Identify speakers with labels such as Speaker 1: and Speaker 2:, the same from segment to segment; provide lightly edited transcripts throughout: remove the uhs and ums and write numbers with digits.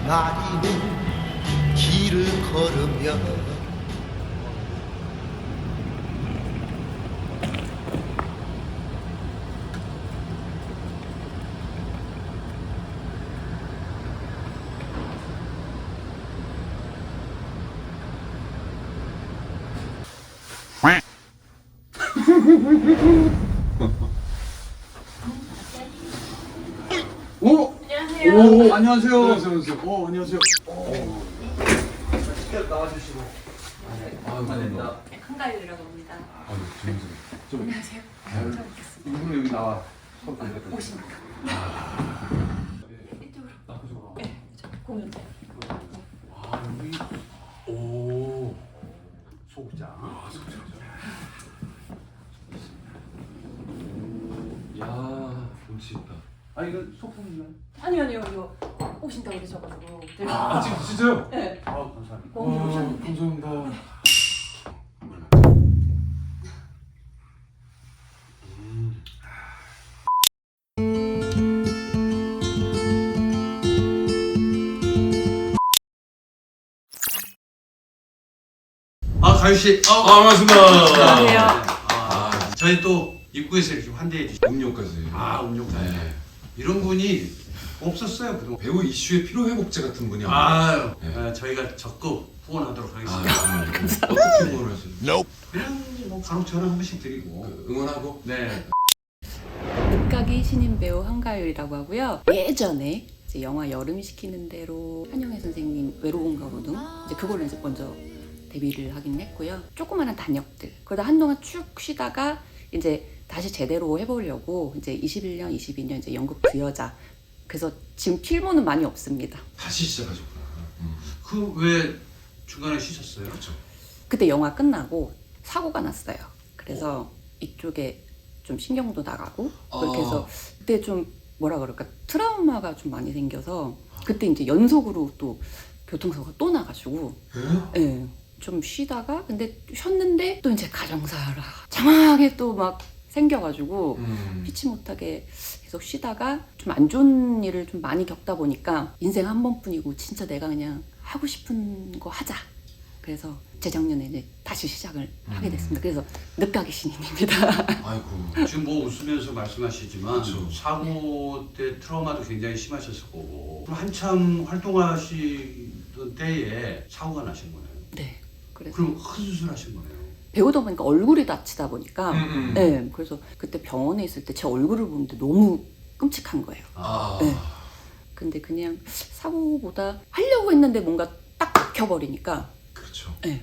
Speaker 1: 나리는 길을 걸으며
Speaker 2: 오!
Speaker 3: 안녕하세요.
Speaker 2: 오, 안녕하세요.
Speaker 4: 안녕하세요.
Speaker 2: 오, 안녕하세요.
Speaker 1: 직접 나와주시고
Speaker 2: 감사합니다.
Speaker 3: 한가율이라고 합니다.
Speaker 4: 좀
Speaker 3: 안녕하세요. 처음 뵙겠습니다.
Speaker 4: 이분은 여기 나와.
Speaker 3: 오십니까? 이쪽으로. 네, 저 공연장.
Speaker 4: 아 여기 오 소극장. 아 소극장. 야 운치 있다. 아 이거 소품인가요?
Speaker 3: 아니요, 이거 오신다고 그러셔가지고.
Speaker 4: 아 진짜요?
Speaker 3: 네.
Speaker 4: 아 감사합니다.
Speaker 3: 공연
Speaker 4: 와,
Speaker 3: 오셨는데.
Speaker 4: 감사합니다.
Speaker 2: 가유 씨.
Speaker 4: 반갑습니다.
Speaker 3: 안녕하세요.
Speaker 2: 저희 또 입구에서 이렇게 환대해 주시고.
Speaker 4: 음료까지.
Speaker 2: 음료까지.
Speaker 4: 네.
Speaker 2: 이런 분이 없었어요, 그동안.
Speaker 4: 배우 이슈의 피로 회복제 같은 분이
Speaker 2: 아유,
Speaker 4: 네.
Speaker 2: 저희가 적극 후원하도록
Speaker 4: 아
Speaker 2: 하겠습니다.
Speaker 4: 정말 어떻게 응원을 하시나요?
Speaker 2: 그냥 뭐 간혹 전화 한 번씩 드리고.
Speaker 4: 응원하고
Speaker 2: 네.
Speaker 3: 늦가기 신인 배우 한가율이라고 하고요. 예전에 이제 영화 여름이 시키는 대로 한영애 선생님 외로운 가로등 이제 그걸로 이제 먼저 데뷔를 하긴 했고요. 조그마한 단역들. 그러다 한동안 쭉 쉬다가 이제 다시 제대로 해보려고 이제 21년, 22년 이제 연극 그 여자. 그래서 지금 필모는 많이 없습니다.
Speaker 4: 다시 시작하셨구나.
Speaker 2: 그 왜 중간에 쉬셨어요?
Speaker 4: 그렇죠.
Speaker 3: 그때 영화 끝나고 사고가 났어요. 그래서 이쪽에 좀 신경도 나가고 그렇게 해서 그때 좀 뭐라 그럴까 트라우마가 좀 많이 생겨서 그때 이제 연속으로 또 교통사고가 또 나가지고 예, 좀 쉬다가 근데 쉬었는데 또 이제 가정사라 장하게 또 막 생겨가지고 피치 못하게 계속 쉬다가 좀 안 좋은 일을 좀 많이 겪다 보니까 인생 한 번뿐이고 진짜 내가 그냥 하고 싶은 거 하자. 그래서 재작년에 이제 다시 시작을 하게 됐습니다. 그래서 늦가기 신인입니다.
Speaker 4: 아이고.
Speaker 2: 지금 뭐 웃으면서 말씀하시지만
Speaker 4: 그렇죠.
Speaker 2: 사고 때 트라우마도 굉장히 심하셨을 거고 그럼 한참 활동하시던 때에 사고가 나신 거네요.
Speaker 3: 네. 그래서
Speaker 2: 그럼 큰 수술하신 거네요.
Speaker 3: 배우다 보니까 얼굴이 다치다 보니까 네. 그래서 그때 병원에 있을 때 제 얼굴을 보는데 너무 끔찍한 거예요. 네. 근데 그냥 사고보다 하려고 했는데 뭔가 딱 박혀버리니까
Speaker 4: 그렇죠.
Speaker 3: 네.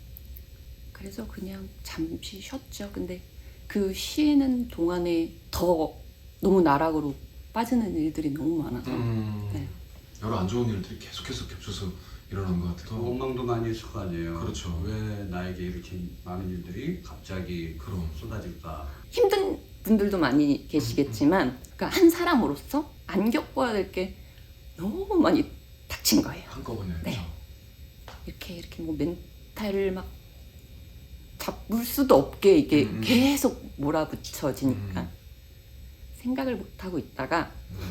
Speaker 3: 그래서 그냥 잠시 쉬었죠. 근데 그 쉬는 동안에 더 너무 나락으로 빠지는 일들이 너무 많아서 네.
Speaker 4: 여러 안 좋은 일들이 계속해서 겹쳐서 일어난 것 같아요.
Speaker 2: 원망도 많이 했을 거 아니에요.
Speaker 4: 그렇죠.
Speaker 2: 왜 나에게 이렇게 많은 일들이 갑자기
Speaker 4: 그럼.
Speaker 2: 쏟아질까.
Speaker 3: 힘든 분들도 많이 계시겠지만 그러니까 한 사람으로서 안 겪어야 될 게 너무 많이 닥친 거예요.
Speaker 4: 한꺼번에.
Speaker 3: 네.
Speaker 4: 그렇죠.
Speaker 3: 이렇게 뭐 멘탈을 막 잡을 수도 없게 이게 계속 몰아붙여지니까 생각을 못 하고 있다가
Speaker 4: 네.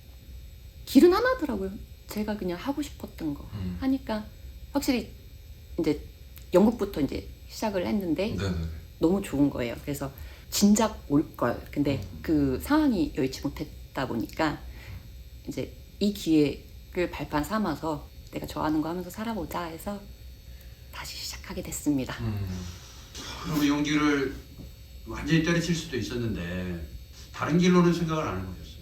Speaker 3: 길은 하나더라고요. 제가 그냥 하고 싶었던 거 하니까 확실히 이제 연극부터 이제 시작을 했는데
Speaker 4: 네네네.
Speaker 3: 너무 좋은 거예요. 그래서 진작 올 걸. 근데 그 상황이 여의치 못했다 보니까 이제 이 기회를 발판 삼아서 내가 좋아하는 거 하면서 살아보자 해서 다시 시작하게 됐습니다.
Speaker 2: 그럼 연기를 완전히 때려칠 수도 있었는데 다른 길로는 생각을 안 해보셨어요?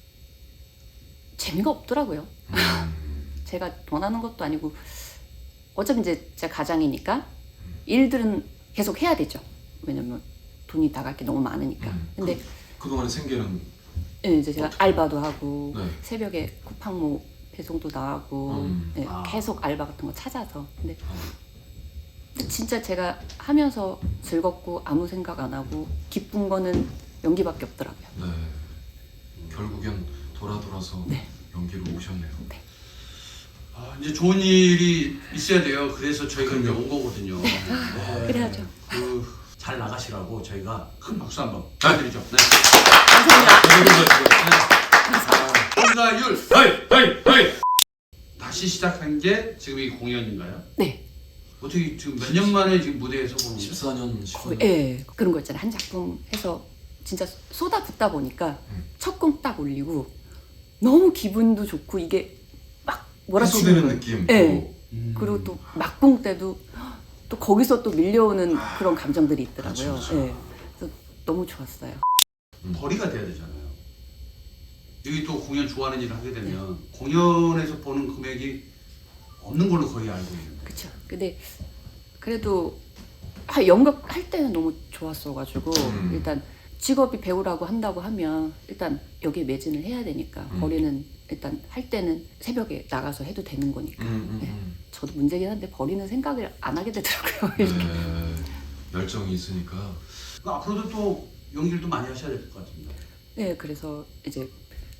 Speaker 3: 재미가 없더라고요. 제가 원하는 것도 아니고 어차피 이제 제가 가장이니까 일들은 계속 해야 되죠. 왜냐면 돈이 나갈 게 너무 많으니까. 근데
Speaker 4: 그동안의 생계는
Speaker 3: 예, 이제 제가 알바도 하고
Speaker 4: 네.
Speaker 3: 새벽에 쿠팡모 배송도 나가고 예, 계속 알바 같은 거 찾아서 근데 진짜 제가 하면서 즐겁고 아무 생각 안 하고 기쁜 거는 연기밖에 없더라고요.
Speaker 4: 네. 결국엔 돌아서
Speaker 3: 네.
Speaker 4: 연기로 오셨네요.
Speaker 3: 네.
Speaker 2: 이제 좋은 일이 있어야 돼요. 그래서 저희가 이제
Speaker 4: 그럼요.
Speaker 2: 온 거거든요. 네.
Speaker 3: 그래야죠.
Speaker 2: 잘 나가시라고 저희가 큰 박수 한번 부탁드리죠. 네.
Speaker 3: 감사합니다.
Speaker 2: 한가율,
Speaker 4: 하이!
Speaker 2: 다시 시작한 게 지금 이 공연인가요?
Speaker 3: 네.
Speaker 2: 어떻게 지금 몇 년 만에 지금 무대에서 보는 거예요?
Speaker 4: 14년, 15년.
Speaker 3: 예, 그런 거 있잖아요. 한 작품 해서 진짜 쏟아붓다 보니까 첫 곡 딱 올리고 너무 기분도 좋고 이게 막 몰아치는
Speaker 4: 해소되는
Speaker 3: 거예요.
Speaker 4: 느낌.
Speaker 3: 예.
Speaker 2: 음.
Speaker 3: 그리고 또 막봉 때도 또 거기서 또 밀려오는 그런 감정들이 있더라고요.
Speaker 4: 그렇죠, 그렇죠.
Speaker 3: 예. 그래서 너무 좋았어요.
Speaker 2: 벌이가 돼야 되잖아요. 여기 또 공연 좋아하는 일을 하게 되면 공연에서 버는 금액이 없는 걸로 거의 알고 있는데.
Speaker 3: 그렇죠. 근데 그래도 연극 할 때는 너무 좋았어가지고 일단 직업이 배우라고 한다고 하면 일단 여기에 매진을 해야 되니까 버리는 일단 할 때는 새벽에 나가서 해도 되는 거니까. 네. 저도 문제긴 한데 버리는 생각을 안 하게 되더라고요. 이렇게.
Speaker 4: 네. 열정이 있으니까.
Speaker 2: 그러니까 앞으로도 또 연기를 또 많이 하셔야 될 것 같습니다.
Speaker 3: 네, 그래서 이제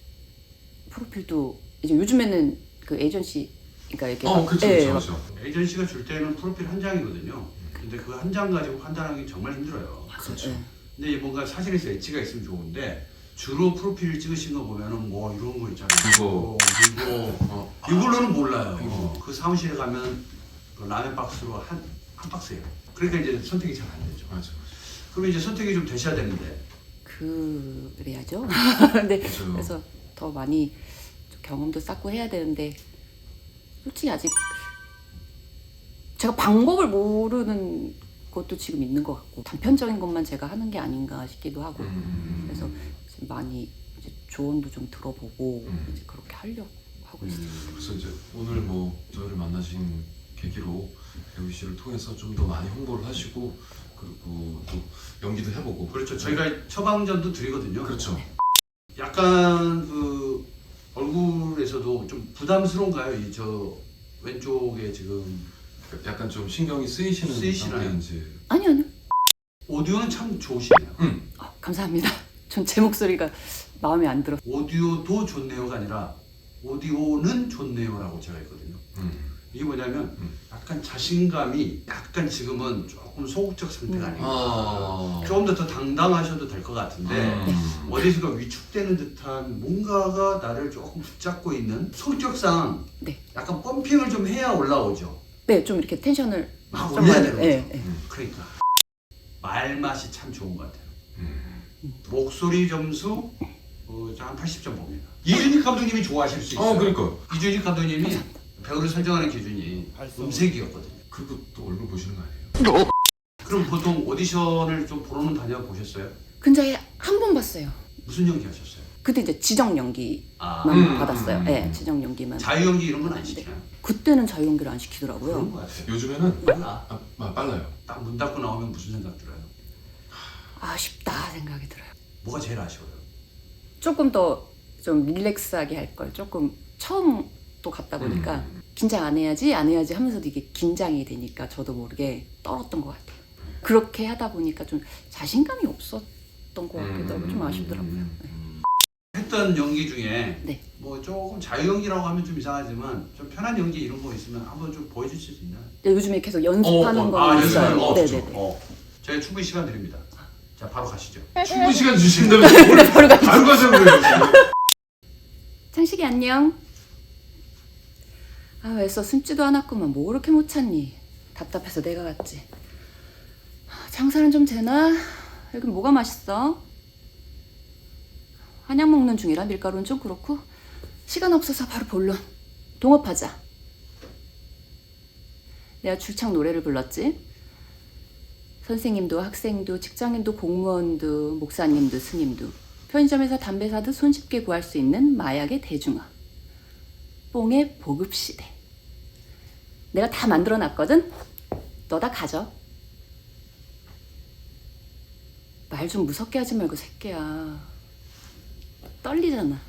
Speaker 3: 프로필도 이제 요즘에는 그 에이전시 그러니까 이렇게
Speaker 4: 그렇죠,
Speaker 3: 예,
Speaker 4: 그렇죠, 그렇죠.
Speaker 2: 에이전시가 줄 때는 프로필 한 장이거든요. 근데 그 한 장 가지고 판단하기 정말 힘들어요.
Speaker 4: 그렇죠.
Speaker 3: 예.
Speaker 2: 근데 뭔가 사진에서 엣지가 있으면 좋은데 주로 프로필 찍으신 거 보면은 뭐 이런 거 있잖아요.
Speaker 4: 이거.
Speaker 2: 이걸로는 몰라요. 그 사무실에 가면 그 라면 박스로 한 박스예요. 그러니까 이제 선택이 잘 안 되죠.
Speaker 4: 맞아.
Speaker 2: 그럼 이제 선택이 좀 되셔야 되는데.
Speaker 3: 그래야죠. 근데
Speaker 4: 맞아요.
Speaker 3: 그래서 더 많이 좀 경험도 쌓고 해야 되는데 솔직히 아직 제가 방법을 모르는 것도 지금 있는 것 같고 단편적인 것만 제가 하는 게 아닌가 싶기도 하고 그래서 지금 많이 이제 조언도 좀 들어보고 이제 그렇게 하려고 하고 있어요.
Speaker 4: 그래서 이제 오늘 뭐 저희를 만나신 계기로 배우 씨를 통해서 좀 더 많이 홍보를 하시고 그리고 또 연기도 해보고.
Speaker 2: 그렇죠. 저희가 처방전도 드리거든요.
Speaker 4: 그렇죠.
Speaker 2: 약간 그 얼굴에서도 좀 부담스러운가요? 이 저 왼쪽에 지금
Speaker 4: 약간 좀 신경이 쓰이시는 상태인지.
Speaker 3: 아니요.
Speaker 2: 오디오는 참 좋으시네요.
Speaker 3: 감사합니다. 전 제 목소리가 마음에 안 들어.
Speaker 2: 오디오도 좋네요가 아니라 오디오는 좋네요라고 제가 했거든요. 이게 뭐냐면 약간 자신감이 약간 지금은 조금 소극적 상태가 아닌가. 조금 더 당당하셔도 될 것 같은데 어디선가 위축되는 듯한 뭔가가 나를 조금 붙잡고 있는 성격상
Speaker 3: 네.
Speaker 2: 약간 펌핑을 좀 해야 올라오죠.
Speaker 3: 네, 좀 이렇게 텐션을
Speaker 2: 막
Speaker 3: 좀
Speaker 2: 올려야
Speaker 3: 많이-
Speaker 2: 되는 거죠.
Speaker 3: 네, 네.
Speaker 2: 그러니까 말맛이 참 좋은 것 같아요. 목소리 점수 한 80점 봅니다. 이준익 감독님이 좋아하실 수 있어요.
Speaker 4: 그러니까.
Speaker 2: 이준익 감독님이 배우를 설정하는 기준이 음색이었거든요.
Speaker 4: 그리고 또 얼굴 보시는 거 아니에요?
Speaker 2: 그럼 보통 오디션을 좀 보러는 다녀보셨어요?
Speaker 3: 근자에 한 번 봤어요.
Speaker 2: 무슨 연기 하셨어요?
Speaker 3: 그때 이제 지정 연기만
Speaker 2: 아,
Speaker 3: 받았어요. 네, 지정 연기만.
Speaker 2: 자유 연기 이런 건 안
Speaker 3: 네.
Speaker 2: 시키나요?
Speaker 3: 그때는 자유 연기를 안
Speaker 2: 그런
Speaker 3: 시키더라고요.
Speaker 2: 것 같아요.
Speaker 4: 요즘에는
Speaker 2: 빨라.
Speaker 4: 빨라요.
Speaker 2: 딱 문 닫고 나오면 무슨 생각 들어요?
Speaker 3: 아쉽다 생각이 들어요.
Speaker 2: 뭐가 제일 아쉬워요?
Speaker 3: 조금 더 좀 릴렉스하게 할 걸. 조금 처음 또 갔다 보니까 긴장 안 해야지 하면서도 이게 긴장이 되니까 저도 모르게 떨었던 것 같아요. 그렇게 하다 보니까 좀 자신감이 없었던 것 같기도 하고 좀 아쉽더라고요. 네.
Speaker 2: 했던 연기 중에
Speaker 3: 네.
Speaker 2: 뭐 조금 자유 연기라고 하면 좀 이상하지만 좀 편한 연기 이런 거 있으면 한번 좀 보여주실 수 있나요?
Speaker 3: 근데 요즘에 계속 연습하는 거
Speaker 2: 연습하는 거.
Speaker 3: 네네네.
Speaker 2: 저희 충분히 시간 드립니다. 자, 바로 가시죠.
Speaker 4: 충분 시간 주신다면 오늘 바로 가자고요.
Speaker 3: 창식이 안녕. 아, 애써 숨지도 않았구만. 뭐 그렇게 못 찾니? 답답해서 내가 갔지. 장사는 좀 되나? 여긴 뭐가 맛있어? 한약 먹는 중이라 밀가루는 좀 그렇고 시간 없어서 바로 본론. 동업하자. 내가 줄창 노래를 불렀지. 선생님도 학생도 직장인도 공무원도 목사님도 스님도 편의점에서 담배 사듯 손쉽게 구할 수 있는 마약의 대중화. 뽕의 보급시대. 내가 다 만들어놨거든? 너 다 가져. 말 좀 무섭게 하지 말고 새끼야. 떨리잖아.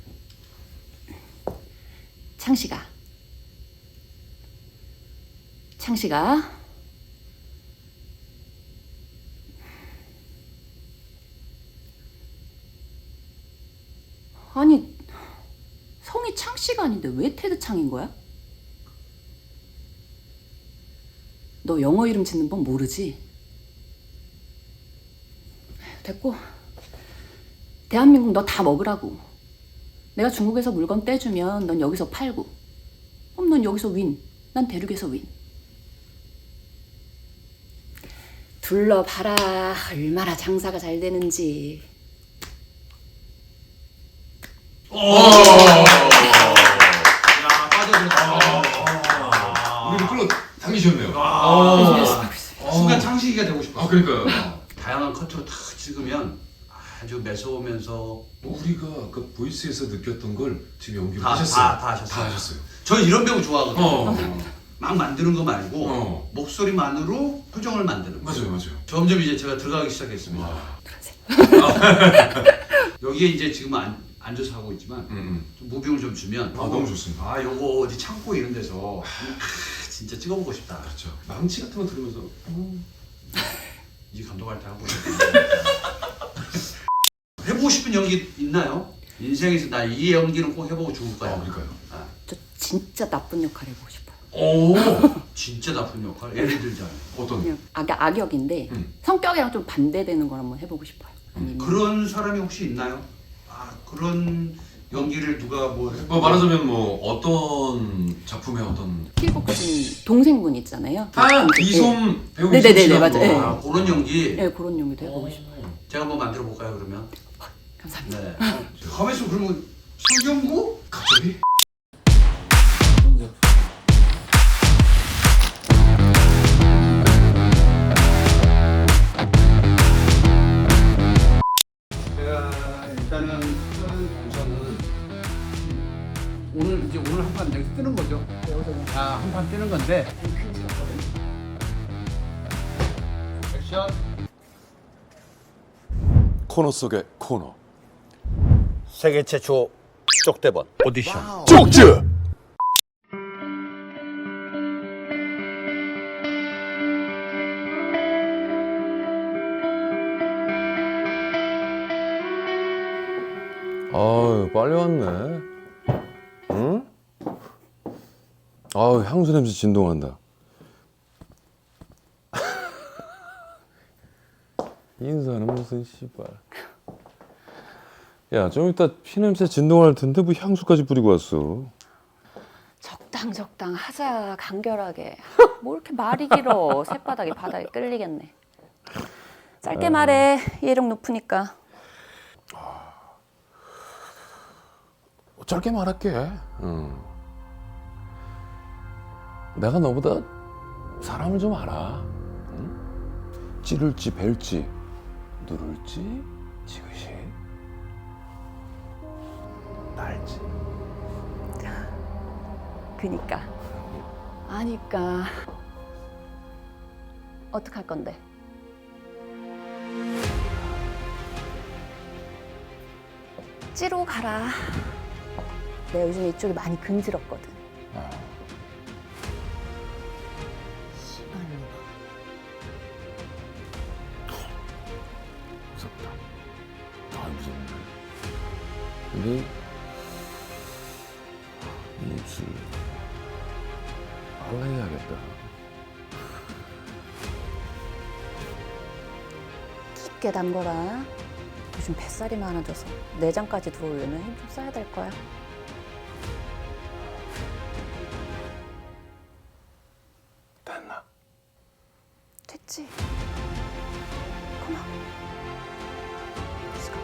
Speaker 3: 창식아. 창식아. 아니, 성이 창씨가 아닌데 왜 테드 창인 거야? 너 영어 이름 짓는 법 모르지? 됐고, 대한민국 너 다 먹으라고. 내가 중국에서 물건 떼주면 넌 여기서 팔고, 그럼 넌 여기서 윈, 난 대륙에서 윈. 둘러봐라 얼마나 장사가 잘 되는지.
Speaker 2: 야, 빠져들었다.
Speaker 4: 우리를 끌어 당기셨네요.
Speaker 2: 순간 창식이가 되고 싶어.
Speaker 4: 그러니까요.
Speaker 2: 다양한 커트로 다 찍으면 아주 매서우면서
Speaker 4: 우리가 그 보이스에서 느꼈던 걸 지금 연기를
Speaker 2: 다
Speaker 4: 하셨어요.
Speaker 2: 하셨어요.
Speaker 4: 다 하셨어요.
Speaker 2: 저 이런 배우 좋아하거든요.
Speaker 4: 어.
Speaker 2: 막 만드는 거 말고
Speaker 4: 어.
Speaker 2: 목소리만으로 표정을 만드는 거.
Speaker 4: 맞아요.
Speaker 2: 점점 이제 제가 들어가기 시작했습니다.
Speaker 4: 와.
Speaker 2: 여기에 이제 지금 앉아서 하고 있지만 좀 무빙을 좀 주면
Speaker 4: 너무 좋습니다.
Speaker 2: 아 요거 어디 창고 이런 데서 진짜 찍어보고 싶다.
Speaker 4: 그렇죠. 망치 같은 거 들으면서
Speaker 2: 이제 감독할 때 하고 해보고 싶은 연기 있나요? 인생에서 나 이 연기는 꼭 해보고 죽을 거야.
Speaker 4: 그러니까요.
Speaker 3: 저 진짜 나쁜 역할 해보고 싶어요.
Speaker 4: 오.
Speaker 2: 진짜 나쁜 역할. 예를 들자면
Speaker 4: 어떤?
Speaker 3: 그냥 악역인데 성격이랑 좀 반대되는 걸 한번 해보고 싶어요. 아니면
Speaker 2: 그런 사람이 혹시 있나요? 아 그런 연기를 누가 뭐
Speaker 4: 말하자면 뭐 어떤 작품의 어떤
Speaker 3: 킬복신 동생분 있잖아요.
Speaker 4: 이솜 배우
Speaker 3: 네네네,
Speaker 4: 이솜 씨하고.
Speaker 3: 맞아요. 네.
Speaker 2: 아 그런 연기
Speaker 3: 네, 그런 연기도 해보고 싶어요.
Speaker 2: 제가 한번 만들어 볼까요 그러면?
Speaker 3: 감사합니다.
Speaker 2: 네. 가만있어 그러면 성경구?
Speaker 4: 갑자기?
Speaker 2: 제가 일단은 하는 동선은 오늘 한 판 여기서 뜨는 거죠? 한 판 뜨는 건데 액션
Speaker 5: 코너 속의 코너
Speaker 1: 세계 최초 쪽대본 오디션
Speaker 5: 쪽지 아유 빨리 왔네. 응? 아유 향수 냄새 진동한다. 인사는 무슨 씨발. 야 좀 이따 피 냄새 진동할 텐데 뭐 향수까지 뿌리고 왔어.
Speaker 3: 적당 하자 간결하게. 뭐 이렇게 말이 길어. 새바닥이 바닥에 끌리겠네. 짧게 말해. 이해력 높으니까.
Speaker 5: 짧게 말할게. 내가 너보다 사람을 좀 알아. 응? 찌를지 벨지 누를지 지그시 날지.
Speaker 3: 그니까. 아니까. 어떡할 건데? 찌로 가라. 내가 요즘 이쪽이 많이 근질었거든. 씨발로.
Speaker 5: 무섭다. 아 무섭네. 근데 이 입술 빨라야겠다.
Speaker 3: 깊게 담궈라. 요즘 뱃살이 많아져서 내장까지 들어오려면 힘 좀 써야 될 거야.
Speaker 5: 됐나?
Speaker 3: 됐지? 고마워. Let's go.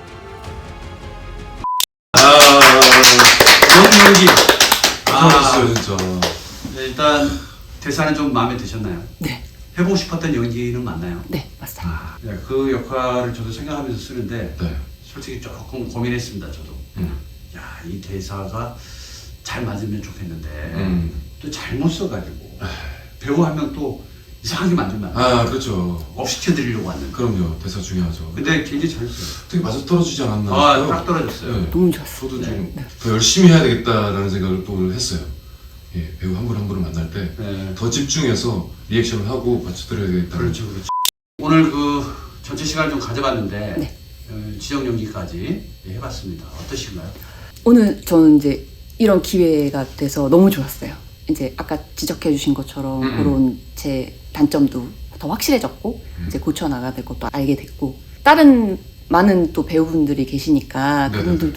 Speaker 2: 이런 연기
Speaker 4: 잘하셨어요 진짜.
Speaker 2: 네, 일단 대사는 좀 마음에 드셨나요?
Speaker 3: 네,
Speaker 2: 해보고 싶었던 연기는 맞나요?
Speaker 3: 네, 맞습니다.
Speaker 2: 네, 그 역할을 저도 생각하면서 쓰는데
Speaker 4: 네.
Speaker 2: 솔직히 조금 고민했습니다 저도. 야, 이 대사가 잘 맞으면 좋겠는데 또 잘못 써가지고 배우 한 명 또 이상하게 만들면 안 돼.
Speaker 4: 그렇죠.
Speaker 2: 업시켜드리려고 왔는데.
Speaker 4: 그럼요. 대사 중요하죠.
Speaker 2: 근데 굉장히 잘했어요.
Speaker 4: 되게 맞아 떨어지지 않았나
Speaker 2: 아,
Speaker 4: 싶어요.
Speaker 2: 딱 떨어졌어요.
Speaker 4: 네.
Speaker 3: 너무 좋았어.
Speaker 4: 저도
Speaker 2: 네.
Speaker 4: 좀 더 열심히 해야 되겠다라는 생각을 또 했어요. 예, 배우 한 분 한 분을 만날 때 더
Speaker 2: 네.
Speaker 4: 집중해서 리액션을 하고 받쳐드려야 되겠다.
Speaker 2: 그렇죠, 그렇죠. 오늘 그 전체 시간을 좀 가져봤는데
Speaker 3: 네.
Speaker 2: 지정 연기까지 해봤습니다. 어떠신가요?
Speaker 3: 오늘 저는 이제 이런 기회가 돼서 너무 좋았어요. 이제 아까 지적해 주신 것처럼 그런 제 단점도 더 확실해졌고 이제 고쳐 나가야 될 것도 알게 됐고 다른 많은 또 배우분들이 계시니까
Speaker 4: 네네네.
Speaker 3: 그분들도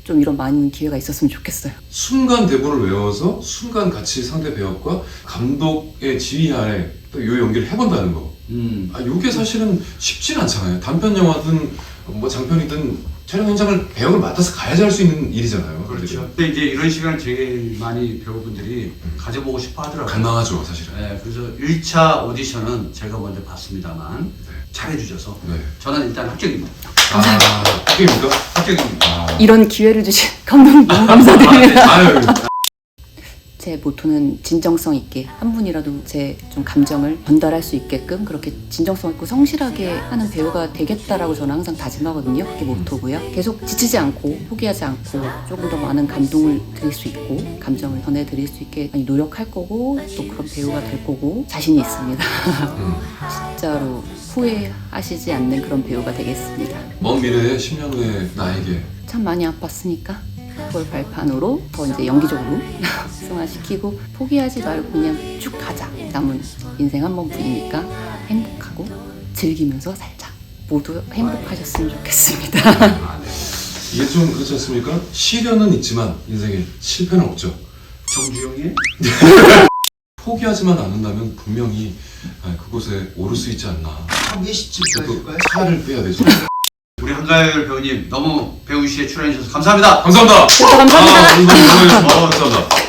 Speaker 3: 좀 이런 많은 기회가 있었으면 좋겠어요.
Speaker 4: 순간 대본을 외워서 순간 같이 상대 배역과 감독의 지휘 아래 또 이 연기를 해본다는 거. 이게 사실은 쉽진 않잖아요. 단편 영화든 뭐 장편이든 촬영 현장을 배역을 맡아서 가야지 할 수 있는 일이잖아요.
Speaker 2: 그렇죠. 근데 이제 이런 시간을 제일 많이 배우분들이 가져보고 싶어 하더라고요.
Speaker 4: 간당하죠, 사실은.
Speaker 2: 네, 그래서 1차 오디션은 제가 먼저 봤습니다만 잘해주셔서
Speaker 4: 네.
Speaker 2: 저는 일단 합격입니다.
Speaker 4: 합격입니까?
Speaker 2: 합격입니다.
Speaker 3: 이런 기회를 주신 감독님 너무 감사드립니다.
Speaker 4: 아유.
Speaker 3: 제 모토는 진정성 있게 한 분이라도 제 좀 감정을 전달할 수 있게끔 그렇게 진정성 있고 성실하게 하는 배우가 되겠다라고 저는 항상 다짐하거든요. 그게 모토고요. 계속 지치지 않고 포기하지 않고 조금 더 많은 감동을 드릴 수 있고 감정을 전해드릴 수 있게 많이 노력할 거고 또 그런 배우가 될 거고 자신이 있습니다. 진짜로 후회하시지 않는 그런 배우가 되겠습니다.
Speaker 4: 먼 미래에 10년 후에 나에게
Speaker 3: 참 많이 아팠으니까 그걸 발판으로 더 이제 연기적으로 승화시키고 포기하지 말고 그냥 쭉 가자. 남은 인생 한 번뿐이니까 행복하고 즐기면서 살자. 모두 행복하셨으면 좋겠습니다.
Speaker 4: 이게 좀 그렇지 않습니까? 시련은 있지만 인생에 실패는 없죠.
Speaker 2: 정주영의
Speaker 4: 포기하지만 않는다면 분명히 그곳에 오를 수 있지 않나.
Speaker 2: 미시집
Speaker 4: 또 차를 빼야 되죠.
Speaker 2: 우리 한가열 배우님 너무 배우시에 출연해 주셔서 감사합니다.
Speaker 4: 감사합니다.
Speaker 3: 감사합니다.
Speaker 4: 감사합니다.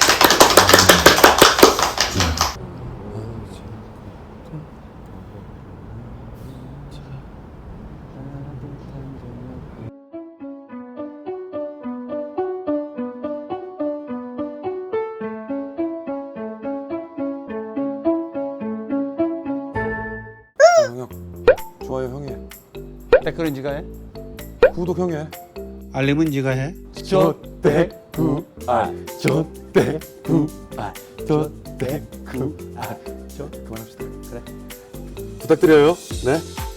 Speaker 5: 형, 좋아요 형이 해.
Speaker 1: 댓글은 네가 해?
Speaker 5: 구독 형이 해.
Speaker 1: 알림은 네가 해?
Speaker 5: 조대구아 조대구아 조대구아 저 그만합시다. 그래. 부탁드려요. 네.